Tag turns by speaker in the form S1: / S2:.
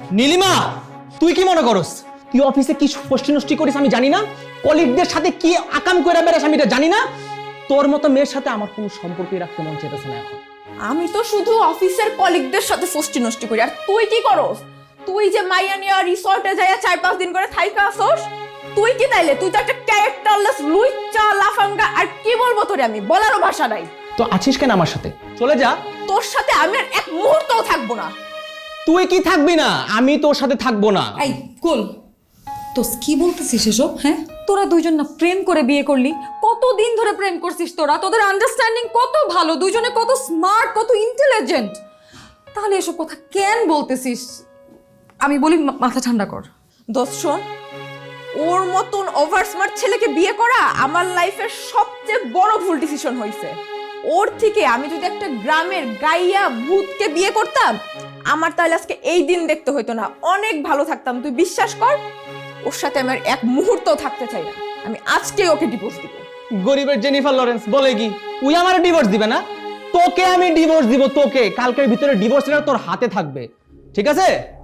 S1: নীলিমা, তুই কি মনে করস তুই অফিসে কি ফষ্টি নষ্টি করিস আমি জানি না, কলিগদের সাথে কি আকাম করে বেড়াস আমি এটা জানি না। তোর মতো মেয়ের সাথে আমার কোনো সম্পর্কই রাখতে মন চাইতেছে না এখন।
S2: আমি তো শুধু অফিসের কলিগদের সাথে ফষ্টি নষ্টি করি, আর তুই কি করস? তুই যে মাইয়া নিয়া রিসর্টে যাইয়া 4-5 দিন করে থাইকা আসোস, তুই কি তাইলে? তুই তো একটা ক্যারেক্টারলেস লুইচা লাফাঙ্গা, আর কি বলবো তোরে, আমি বলারও ভাষা নাই।
S1: তো আছিস কেন আমার সাথে? চলে যা।
S2: তোর সাথে আমি আর এক মুহূর্তও থাকবো না।
S1: তুই কি থাকবি না? আমি তোর সাথে থাকবো না।
S3: এই কুল, তো কি বলতেছিস এসব? হ্যাঁ, তোরা দুইজন না প্রেম করে বিয়ে করলি? কতদিন ধরে প্রেম করছিস তোরা? তোদের আন্ডারস্ট্যান্ডিং কত ভালো, দুইজনে কত স্মার্ট, কত ইন্টেলিজেন্ট। তাহলে এসব কথা কেন বলতেছিস? আমি বলি মাথা ঠান্ডা কর।
S2: দোস্ত শোন, ওর মতন ওভার স্মার্ট ছেলেকে বিয়ে করা আমার লাইফের সবচেয়ে বড় ভুল ডিসিশন হয়েছে। ওর থেকে আমি যদি একটা গ্রামের গাইয়া ভূতকে বিয়ে করতাম, আমার তাহলে আজকে এই দিন দেখতে হইতো না, অনেক ভালো থাকতাম। তুই বিশ্বাস কর, ওর সাথে আমার এক মুহূর্তও থাকতে চাই না। আমি আজকেই ওকে ডিভোর্স দিব।
S1: গরিবের জেনিফার লরেন্স বলে কি তুই আমার ডিভোর্স দিবে না? তোকে আমি ডিভোর্স দিব, তোকে। কালকের ভিতরে ডিভোর্স তোর হাতে থাকবে, ঠিক আছে?